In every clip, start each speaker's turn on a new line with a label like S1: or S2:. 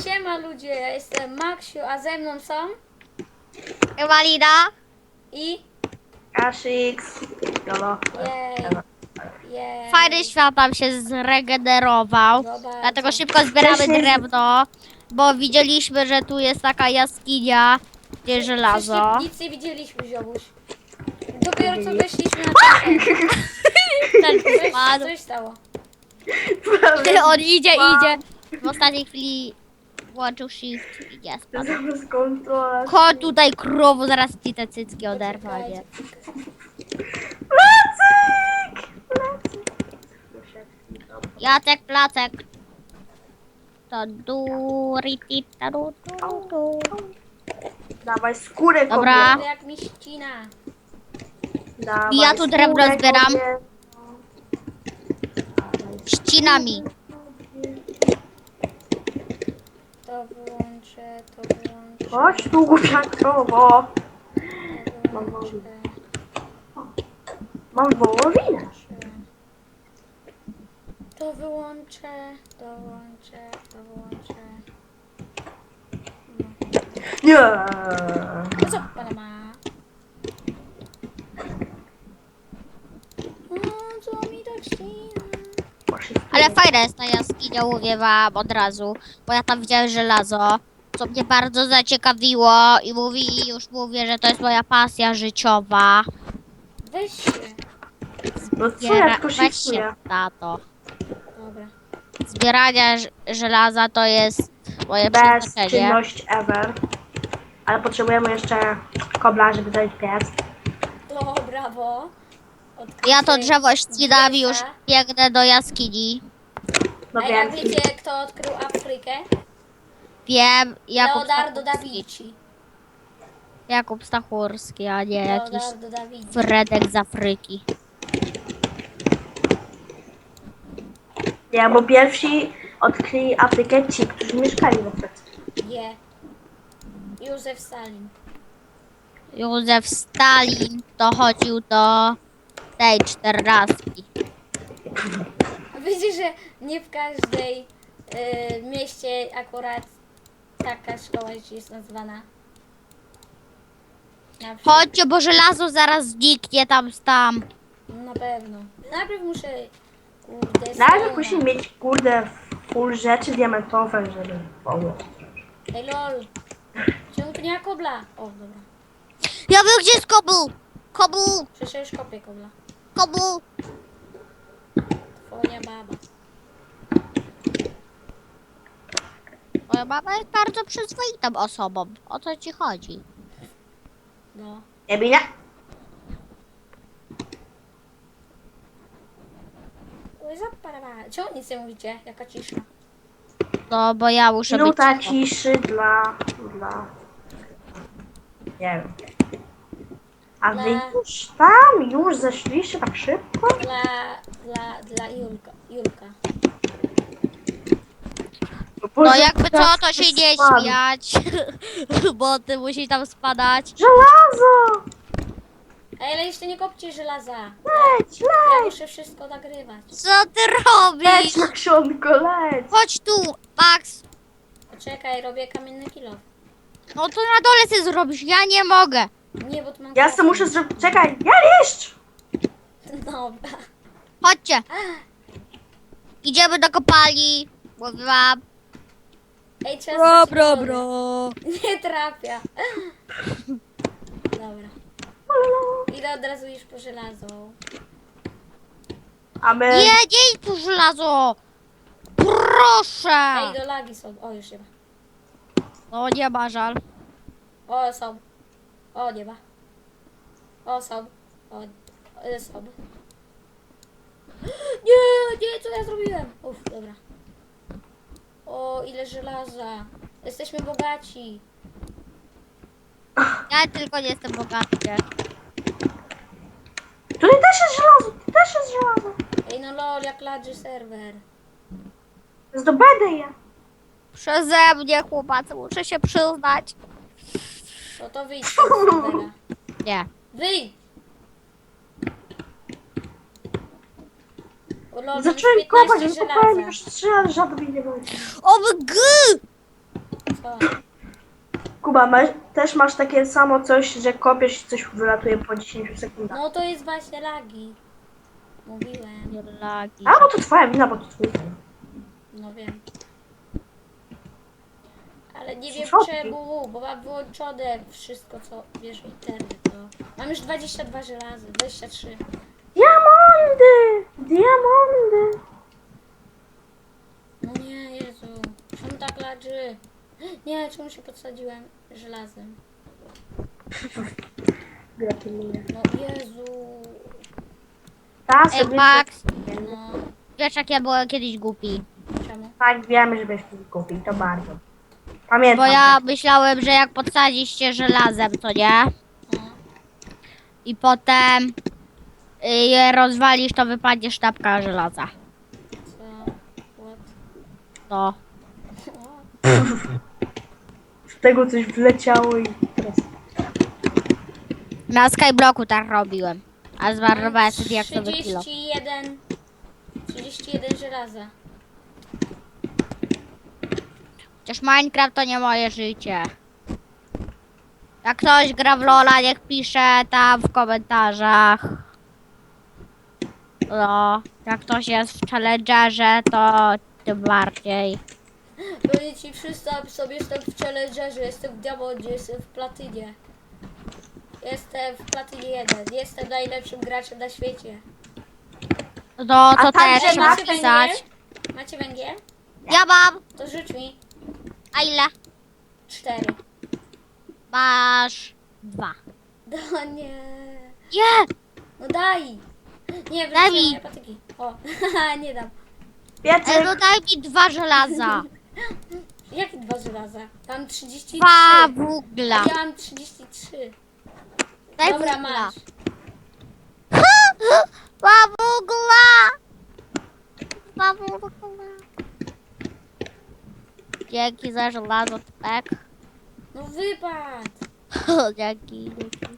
S1: Siema ludzie, ja jestem Maksiu, a ze mną są
S2: Walida.
S1: i...
S3: Kasix. Jolo.
S1: Jej, jej.
S2: Fajny świat nam się zregenerował.
S1: No bardzo.
S2: Dlatego szybko zbieramy
S3: Wcześniej-
S2: drewno. Bo widzieliśmy, że tu jest taka jaskinia, gdzie żelazo.
S1: Przecież nic nie widzieliśmy, ziomuś. Dopiero co weszliśmy na ten.
S2: Ten spadł.
S1: Coś stało.
S2: On idzie. W ostatniej chwili włączył shift i nie spadł.
S3: Zamiast kontrola.
S2: Chodź tutaj krowo, zaraz ci te cycki oderwa, nie?
S3: Placek!
S2: Jacek Placek. To duri ta du.
S3: Dawaj skórę
S2: Dobra.
S3: kobiet.
S1: To jak mi ścina.
S3: Dawaj
S2: Ja tu drewno
S3: skórę
S2: zbieram.
S3: kobiet.
S2: Ścinami.
S1: To wyłączę.
S3: Chodź tu głupia krowo. Mam wołowinę.
S1: To wyłączę.
S3: Nie.
S1: No co pana ma? O, co mi tak ścina?
S2: Ale fajna jest ta jaskinia, mówię wam od razu. Bo ja tam widziałem żelazo, co mnie bardzo zaciekawiło i już mówię, że to jest moja pasja życiowa.
S1: Weź się.
S3: No co ja tylko
S2: Weź się
S3: shiftuję.
S2: na to.
S1: Dobra.
S2: Zbieranie żelaza to jest moje
S3: Bez
S2: przeznaczenie.
S3: czynność ever. Ale potrzebujemy jeszcze kobla, żeby zrobić piec.
S1: O, brawo.
S2: Ja to drzewo
S1: Odkrycie
S2: ścinam i już
S1: Gdziesia.
S2: biegnę do jaskini.
S3: No
S1: A jak
S3: wiem.
S1: wiecie, kto odkrył Afrykę?
S2: Wiem,
S1: Leonardo da Vinci.
S2: Jakub Stachurski, a nie jakiś
S1: Leonardo da Vinci.
S2: Fredek z Afryki.
S3: Nie, bo pierwsi odkryli Afrykę ci, którzy mieszkali w Afryce.
S1: Nie. Józef Stalin.
S2: Józef Stalin to chodził do tej 14.
S1: Wiecie, że nie w każdej mieście akurat taka szkoła jest nazywana. Na przykład.
S2: Chodźcie, bo żelazo zaraz zniknie tam.
S1: Na pewno. Najpierw muszę... Kurde,
S3: Nawet
S1: stona.
S3: musimy mieć, kurde, full rzeczy diamentowe, żeby pomóc.
S1: Ej lol. Czemu tu nie ma kobla? O, dobra.
S2: Ja wiem, gdzie jest kobu! Kobu!
S1: Przecież ja już kopię kobla.
S2: Kobu!
S1: Twoja baba.
S2: Moja mama jest bardzo przyzwoitą osobą. O co ci chodzi?
S1: No.
S3: Nie binie?
S1: Oj, zaparowała. Czemu nic nie mówicie? Jaka cisza.
S2: No, bo ja muszę być
S3: Minuta
S2: cicho.
S3: ciszy dla... Nie wiem. A wy
S1: Dla-
S3: już tam? Już zeszliście tak szybko?
S1: Dla Julka.
S2: No jakby co, to się nie śmiać. Bo ty musi tam spadać.
S3: Żelazo!
S1: Ej, ale jeszcze nie kopcie żelaza.
S3: Leć,
S1: Ja
S3: leć!
S1: muszę wszystko nagrywać.
S2: Co ty robisz?
S3: Leć na książko, leć!
S2: Chodź tu, Max.
S1: Poczekaj, robię kamienny kilo.
S2: No to na dole ty zrobisz, ja nie mogę.
S1: Nie, bo tu mam...
S3: Ja sobie muszę zrobić... Czekaj, ja jeszcze!
S1: Dobra.
S2: Chodźcie. Idziemy do kopalni. Mówiłam.
S1: Ej, trzeba stracić wodę.
S2: bro.
S1: Nie trafia. Dobra. Idę od razu już po żelazo.
S3: A my...
S2: Nie idź tu żelazo. Proszę.
S1: Ej, do lagi są. O, już nie ma.
S2: No nie ma żal.
S1: O, są. O, nie ma. O, są. O, są. Nie, co ja zrobiłem? Uff, dobra. O, ile żelaza. Jesteśmy bogaci.
S2: Ja tylko nie jestem bogaty.
S3: Tutaj też jest żelazo, tu też jest żelazo.
S1: Ej, no lol, jak ladży serwer.
S3: Zdobędę je.
S2: Przeze mnie, chłopacy, muszę się przyznać.
S1: No to wyjdź z tego serwera.
S2: Nie.
S1: Wyjdź! O lol, mam
S3: Zacząłem
S1: 15
S3: kopać,
S1: żelaza.
S3: wykopałem już 3 razy, żadnych nie będzie.
S2: OMG!
S1: Co?
S3: Kuba, też masz takie samo coś, że kopiesz i coś wylatuje po 10 sekundach.
S1: No to jest właśnie lagi. Mówiłem.
S2: Lagi.
S3: A, bo to twoja wina, bo to twój wina.
S1: No wiem. Ale nie wiem
S3: Przyszłości.
S1: czemu, bo mam wyłączone wszystko, co wiesz, internet. To... Mam już 22 żelazy, 23.
S3: Diamondy! Diamondy!
S1: No nie, Jezu. Czemu tak ladży? Nie, czemu się podsadziłem żelazem?
S3: Gratuluję.
S1: No Jezu.
S3: Ta
S2: Ej,
S3: sobie...
S2: Max,
S1: No,
S2: wiesz jak ja byłem kiedyś głupi.
S1: czemu?
S3: Tak, wiemy, że byś tu kupił, to bardzo. Pamiętam.
S2: Bo ja myślałem, że jak podsadzisz się żelazem, to nie?
S1: No.
S2: I potem je rozwalisz, to wypadnie sztabka żelaza.
S1: Co? What?
S2: No.
S3: Z tego coś wleciało i teraz...
S2: Na Skyblocku tak robiłem. A zmarnowałem sobie jak sobie kilo.
S1: 31 żelaza.
S2: Chociaż Minecraft to nie moje życie. Jak ktoś gra w Lola, niech pisze tam w komentarzach. No, jak ktoś jest w Challengerze, to tym bardziej.
S1: Powiem ci, przystaw sobie, jestem w Challengerze, jestem w Diamondzie, jestem w Platynie. Jestem w Platynie 1, jestem najlepszym graczem na świecie.
S2: No,
S3: A
S2: to też
S3: także
S2: trzeba
S1: macie
S2: pisać.
S1: węgiel? Macie węgiel?
S2: Ja mam.
S1: To rzuć mi
S2: A ile?
S1: 4.
S2: Masz 2.
S1: No nie.
S2: Nie!
S1: No daj. Nie,
S2: Daj
S1: wrzuciłem
S2: mi.
S1: moje patyki. O, nie dam.
S3: Piecyk!
S2: Ej, no daj mi 2 żelaza.
S1: Jakie 2 żelaza? Tam 33.
S2: 2 wugla.
S1: Ja mam 33.
S2: Daj
S1: Dobra,
S2: wugla.
S1: masz.
S2: 2 wugla. 2 wugla. Dzięki za żelazo, tak?
S1: No wypad.
S2: Dzięki.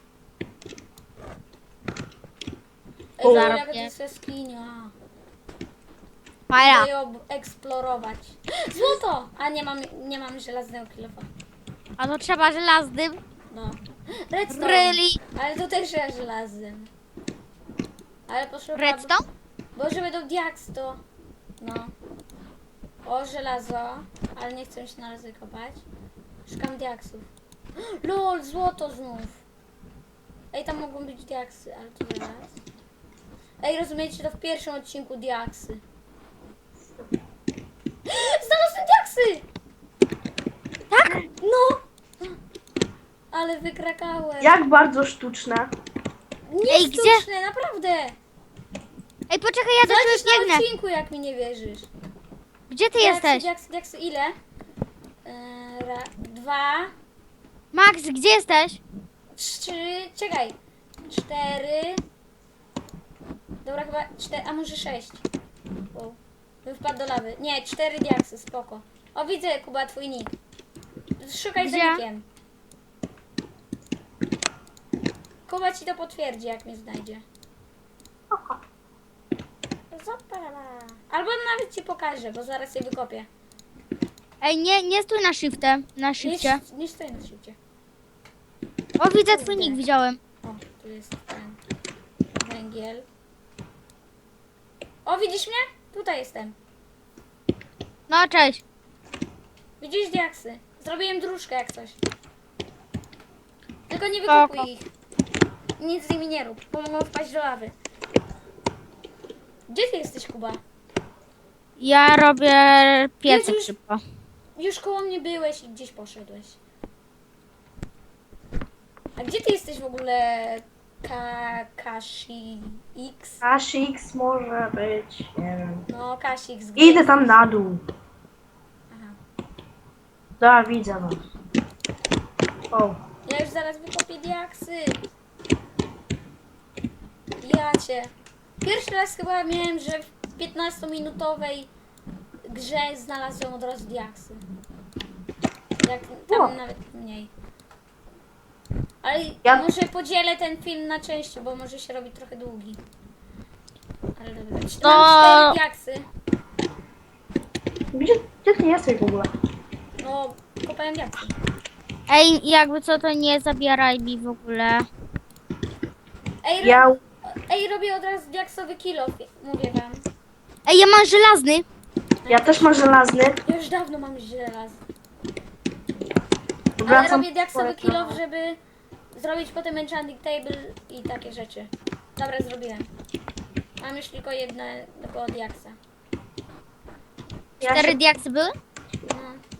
S1: Ej,
S2: Zarobię.
S1: jaka to jest jaskinia.
S2: Fajna.
S1: Chcę ją eksplorować. Złoto! A nie mam żelaznego kilofa.
S2: A to trzeba żelaznym.
S1: No. Redstone.
S2: Really?
S1: Ale to też trzeba żelazem. Ale poszukam...
S2: Redstone?
S1: Bo żeby do diaks to... No. O, żelazo. Ale nie chcę się na razie kopać. Szukam diaksów. LOL, złoto znów. Ej, tam mogą być diaksy, ale to zaraz. Ej, rozumiecie, to w pierwszym odcinku diaksy. Znalazłem diaksy!
S2: Tak?
S1: No! Ale wykrakałem.
S3: Jak bardzo sztuczne.
S1: Nie
S2: Ej, gdzie?
S1: sztuczne, naprawdę!
S2: Ej, poczekaj, ja do
S1: Zobaczysz
S2: ciebie
S1: na
S2: biegnę.
S1: odcinku, jak mi nie wierzysz.
S2: Gdzie ty
S1: Diaksy,
S2: jesteś?
S1: diaksy, ile? 2,
S2: Max, gdzie jesteś?
S1: 3, czekaj. 4. Dobra, chyba 4, a może 6. Wow. Bym wpadł do lawy. Nie, 4 diaksy, spoko. O, widzę, Kuba, twój nick. Szukaj za
S2: Gdzie?
S1: nickiem. Kuba ci to potwierdzi, jak mnie znajdzie. Zapala. Albo nawet ci pokażę, bo zaraz je wykopię.
S2: Ej, nie stój na shiftem, na shifcie.
S1: Nie stoję na szybcie.
S2: O, widzę twój nick, widziałem.
S1: O, tu jest ten węgiel. O, widzisz mnie? Tutaj jestem.
S2: No, cześć.
S1: Widzisz diaksy? Zrobiłem dróżkę jak coś. Tylko nie
S2: Spoko.
S1: wykopuj ich. Nic z nimi nie rób, bo mogą wpaść do lawy. Gdzie ty jesteś, Kuba?
S2: Ja robię piecyk
S1: Jezus.
S2: szybko.
S1: Już koło mnie byłeś i gdzieś poszedłeś. A gdzie ty jesteś w ogóle? Kashi X?
S3: Ashix może być, nie wiem.
S1: No, Kashi X.
S3: Idę tam na dół.
S1: Aha.
S3: Da, widzę was. O,
S1: Ja już zaraz wykopię diaksy. Ja cię. Pierwszy raz chyba miałem, że w 15-minutowej grze znalazłem od razu diaksy. Jak tam
S3: O.
S1: nawet mniej. Ale
S3: Ja-
S1: może podzielę ten film na części, bo może się robi trochę długi. Ale dobra.
S2: To-
S1: Mam 4 diaksy.
S3: gdzie ty jesteś w ogóle?
S1: No, kopałem diaksy.
S2: Ej, jakby co, to nie zabieraj mi w ogóle.
S1: Ej,
S3: Ja...
S1: ej, robię od razu diaksowy kill-off, mówię wam.
S2: Ej, ja mam żelazny.
S3: Ja też mam żelazny.
S1: Ja już dawno mam żelaz. Ale
S3: Wracam
S1: robię diaksowy
S3: po
S1: kill-off, żeby zrobić potem enchanting table i takie rzeczy. Dobra, zrobiłem. Mam już tylko jednego diaksa.
S3: Ja
S2: 4
S3: się...
S2: diaksy były?
S1: No.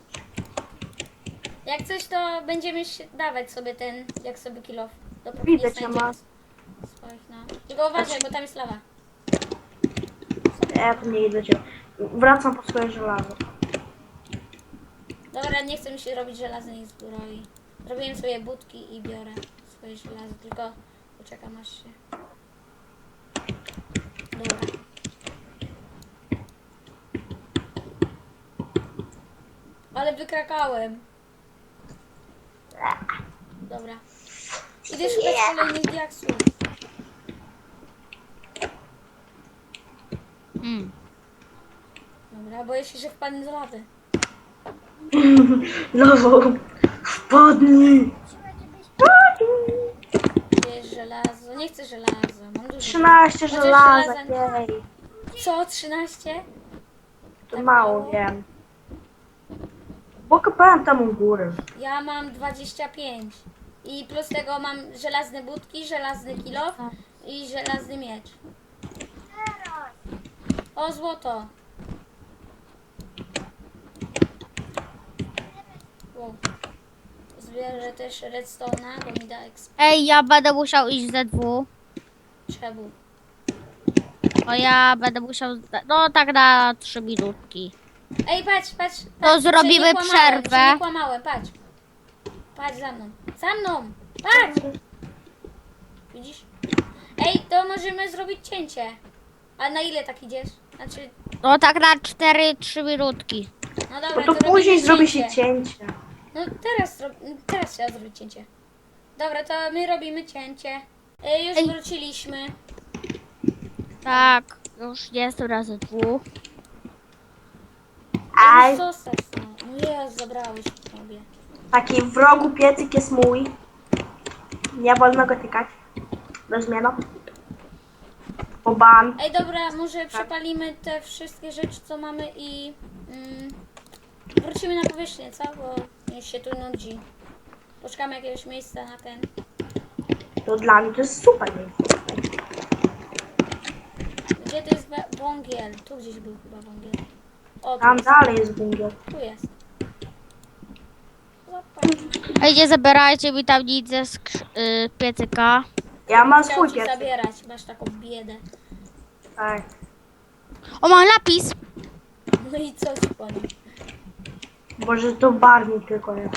S1: Jak coś, to będziemy dawać sobie ten diaksowy kill-off. Dopóki
S3: Widzę
S1: nie
S3: cię,
S1: znajdziemy
S3: ma.
S1: swoich, no. Tylko uważaj, bo tam jest lawa.
S3: Ja tu nie idę cię. Wracam po swoje żelazo.
S1: Dobra, nie chcę mi się robić żelaznej zbroi. Zrobiłem sobie budki i biorę swoje żelazo, tylko poczekam aż się... Dobra. Ale wykrakałem. Dobra. Idę szukać kolejnych diaksów. Dobra, boję się, że wpadnę do lawy.
S3: Lawo! Wpadnij!
S1: Gdzie jest żelazo? Nie chcę żelaza. Mam dużo.
S3: 13
S1: Chociaż
S3: żelaza,
S1: żelaza-
S3: jej.
S1: Co? 13?
S3: To
S1: Tak
S3: mało,
S1: mało?
S3: wiem. Bo kopałem tam u góry.
S1: Ja mam 25. I plus tego mam żelazne budki, żelazny kilof i żelazny miecz. O, złoto. Wow. Zbierę też redstone'a, bo mi da exp.
S2: Ej, ja będę musiał iść ze dwóch.
S1: Czemu?
S2: Bo ja będę musiał... No tak na 3 minutki.
S1: Ej, patrz, patrz.
S2: To
S1: patrz, że
S2: zrobimy
S1: nie kłamałem,
S2: przerwę.
S1: że nie kłamałem, patrz. Patrz za mną. Za mną! Patrz! Widzisz? Ej, to możemy zrobić cięcie. A na ile tak idziesz? Znaczy,
S2: No tak na 4-3 minutki.
S1: no dobra,
S3: No to
S1: robimy
S3: później zrobi się
S1: cięcie.
S3: cięcie.
S1: No teraz trzeba zrobić cięcie. Dobra, to my robimy cięcie. Już
S2: Ej.
S1: wróciliśmy.
S2: Tak, już jestem razy dwóch.
S3: Aj,
S1: Już zostać, no. No jest, zabrałeś sobie.
S3: taki w rogu piecyk jest mój. Nie wolno go tykać. Bez zmiany. Bo ban.
S1: Ej, dobra, może przepalimy te wszystkie rzeczy, co mamy i wrócimy na powierzchnię, co? Bo już się tu nudzi. Poszukamy jakiegoś miejsca na ten.
S3: To dla mnie to jest super miejsce.
S1: Gdzie to jest wągiel? Tu gdzieś był chyba wągiel. O, tu
S3: Tam
S1: jest.
S3: dalej jest bungiel.
S1: Tu jest. Zobacz.
S2: Ej, nie zabierajcie mi tam nic ze piecyka.
S3: Ja mam
S1: Chciał
S3: swój
S1: ci
S3: piecyk.
S1: zabierać, masz taką biedę.
S3: Tak.
S2: O, mam lapis.
S1: No i co ci powiem?
S3: Boże, to barwnik tylko jest.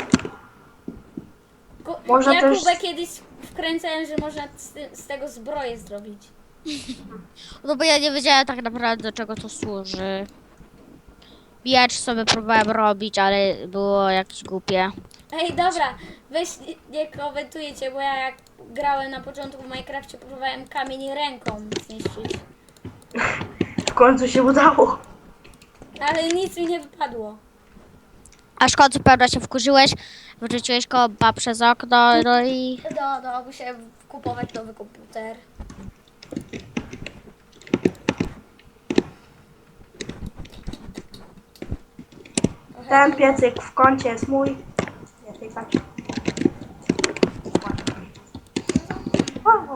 S3: Można
S1: Ja
S3: też-
S1: Kubę kiedyś wkręcałem, że można z tego zbroję zrobić.
S2: No bo ja nie wiedziałem tak naprawdę, do czego to służy. Miecz sobie próbowałem robić, ale było jakieś głupie.
S1: Ej, dobra, weź nie komentujecie, bo ja jak grałem na początku w Minecrafcie, próbowałem kamień ręką zniszczyć.
S3: W końcu się udało.
S1: Ale nic mi nie wypadło.
S2: Aż w końcu pewno się wkurzyłeś, wyrzuciłeś kompa przez okno, no i...
S1: No, musiałem kupować nowy komputer.
S3: Ten piecyk w kącie jest mój. Nie, tej tak. O,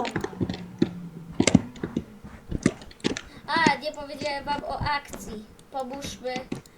S1: A, nie powiedziałem wam o akcji. Pomóżmy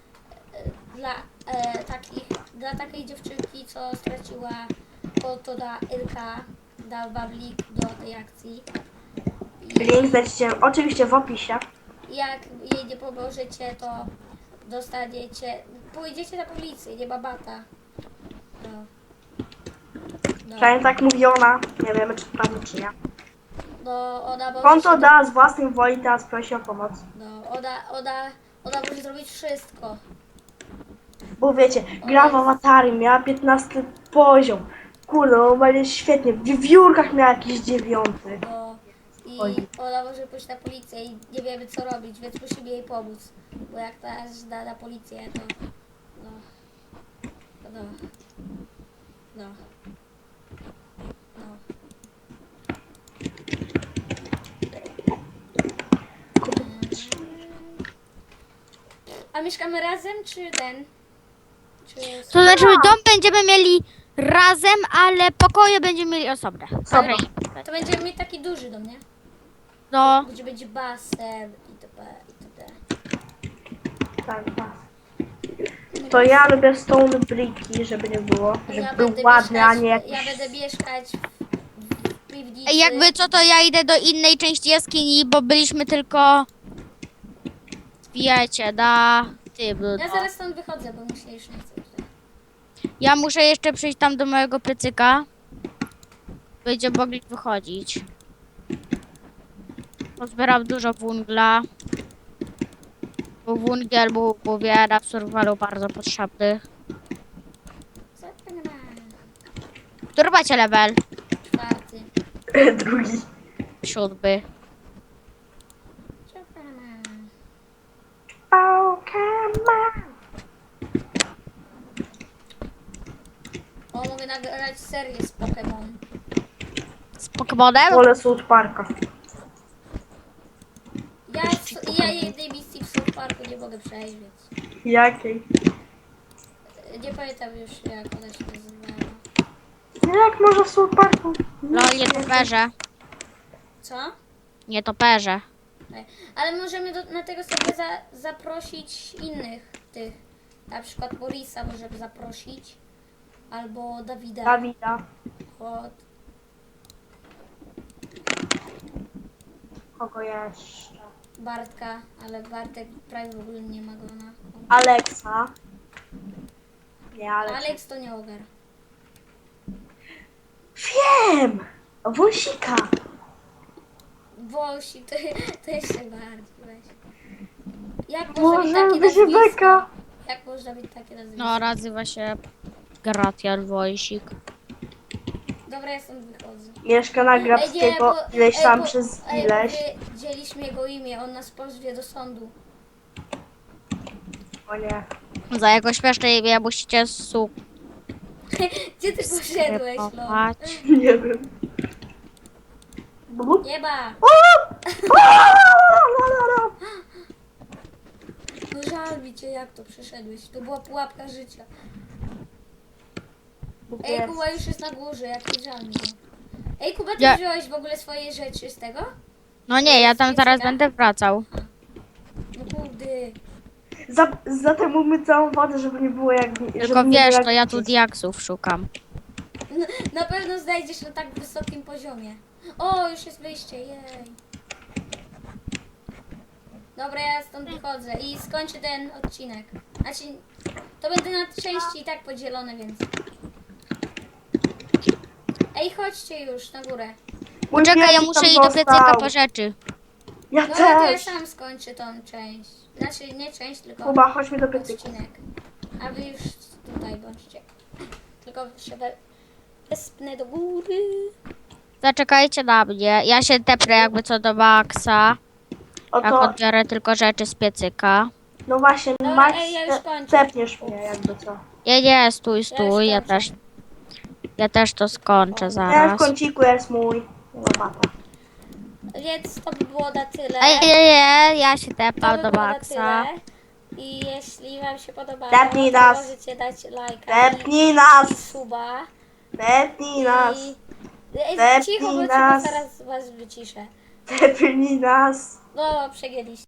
S1: dla takiej dziewczynki, co straciła konto na Ilka. Dał wam link do tej akcji.
S3: Link znajdziecie oczywiście w opisie.
S1: Jak jej nie pomożecie, to dostaniecie, pójdziecie na policję, nie ma bata. No.
S3: Przynajmniej tak mówi ona. Nie wiemy, czy to prawda, czy nie.
S1: No, ona może
S3: Konto
S1: się-
S3: da z własnej woli, teraz prosi o pomoc.
S1: No, ona może zrobić wszystko.
S3: Bo wiecie, gra w awatary, miała 15 poziom. Kurde, normalnie świetnie. W wiewiórkach miała jakiś 9.
S1: No, i
S3: Oj.
S1: ona może pójść na policję i nie wiemy co robić, więc musimy jej pomóc. Bo jak teraz da na policję, to no. No. No. No. A mieszkamy razem, czy ten? Czy...
S2: To znaczy dom będziemy mieli razem, ale pokoje będziemy mieli osobne.
S3: Osobno.
S1: To będziemy mieć taki duży dom, nie?
S2: No,
S1: Gdzie będzie basen itp. itd.
S3: Tak, tak. To ja lubię stone bricki, żeby nie było. Żeby był ładny, a nie jakiś...
S1: Ja będę mieszkać w piwnicy.
S2: jakby co, to ja idę do innej części jaskini, bo byliśmy tylko, wiecie, na tym.
S1: Ja zaraz stąd wychodzę, bo mi się już nie chce tutaj.
S2: Ja muszę jeszcze przyjść tam do mojego piecyka. Będziemy mogli wychodzić. Pozbieram dużo węgla. Bo węgiel był, mówię, na survivalu bardzo potrzebny.
S1: Co to nie ma?
S2: Który macie level?
S1: 4.
S3: Drugi.
S2: 7.
S1: Co to nie ma?
S3: Oh, come on.
S1: O, mogę nagrać serię z Pokémon.
S2: Z Pokemonem?
S3: Wolę South Parka.
S1: Ja jednej misji w South Parku nie mogę przejść, więc...
S3: Jakiej?
S1: Nie pamiętam już, jak ona się nazywała.
S3: Jak może w South Parku?
S2: No, nie toperze.
S1: Co?
S2: Nie toperze.
S1: Tak. Ale możemy na tego sobie zaprosić innych tych. Na przykład Borisa możemy zaprosić. Albo Dawida.
S3: Dawida.
S1: Od...
S3: Kogo jeszcze?
S1: Bartka, ale Bartek prawie w ogóle nie ma go na...
S3: Alexa. Nie, Alexa.
S1: Alex to nie ogar.
S3: Wiem! Wąsika.
S1: Wąsik, to jeszcze bardziej weź. Jak można
S3: Boże,
S1: mieć takie
S3: będzie
S1: nazwisko?
S3: beka.
S1: Jak można mieć takie nazwisko?
S2: No, nazywa się Gratian Wojsik.
S1: Dobra, ja stąd wychodzę.
S3: Mieszka na Grabskiego ileś tam przez ileś.
S1: Powiedzieliśmy jego imię, on nas pozwie do sądu.
S3: O nie.
S2: Za jego śmieszne imię musicie
S1: Gdzie ty poszedłeś, Lol?
S2: subskrybować.
S3: Nie wiem. Blup.
S1: Nieba!
S3: O! O!
S1: No żal mi cię, jak to przeszedłeś. To była pułapka życia. Ej,
S3: Jest.
S1: Kuba już jest na górze, jak mi żal mi go. Ej, Kuba, ty
S2: Ja-
S1: wziąłeś w ogóle swoje rzeczy z tego?
S2: No nie, ja tam zaraz będę wracał.
S1: No kurde.
S3: Zatem mówmy całą wodę, żeby nie było jak...
S2: Tylko
S3: żeby nie
S2: wiesz,
S3: było
S2: to
S3: jak
S2: ja tu
S3: gdzieś.
S2: diaksów szukam.
S1: No, na pewno znajdziesz na tak wysokim poziomie. O, już jest wyjście, jej. Dobra, ja stąd wychodzę i skończę ten odcinek. Znaczy, to będę na części i tak podzielone, więc... Ej, chodźcie już na górę.
S3: Mój
S2: Poczekaj, ja
S3: piesik
S2: muszę
S3: tam
S2: iść do piecyka
S3: został.
S2: po rzeczy.
S3: Ja
S1: No, to ja
S3: też.
S1: sam skończę tą część. Znaczy, nie część, tylko
S3: Kuba, chodźmy do piecyka.
S1: odcinek. A wy już tutaj bądźcie. Tylko się wespnę do góry.
S2: Zaczekajcie na mnie. Ja się tepnę jakby co do Maxa. Jak
S3: Oto,
S2: odbiorę tylko rzeczy z piecyka.
S3: no właśnie,
S1: Dobra,
S3: Max,
S1: ej, ja już kończę.
S3: tepniesz mnie jakby co.
S2: Nie, stój, ja
S1: skończę.
S2: też. Ja też to skończę
S3: Ten w
S2: zaraz.
S3: kąciku jest mój. Łopata.
S1: Więc to by było na tyle.
S2: Nie, ja się
S1: To
S2: tepam
S1: by
S2: do
S1: było na
S2: Maxa.
S1: tyle. I jeśli wam się podobało,
S3: Tepnij
S1: to
S3: nas.
S1: możecie dać lajka
S3: Tepnij
S1: i
S3: nas!
S1: suba.
S3: Tepnij nas!
S1: Ej,
S3: Tepnij
S1: cicho, bo
S3: nas.
S1: zaraz was wyciszę.
S3: Tepnij nas!
S1: No, przegięliście.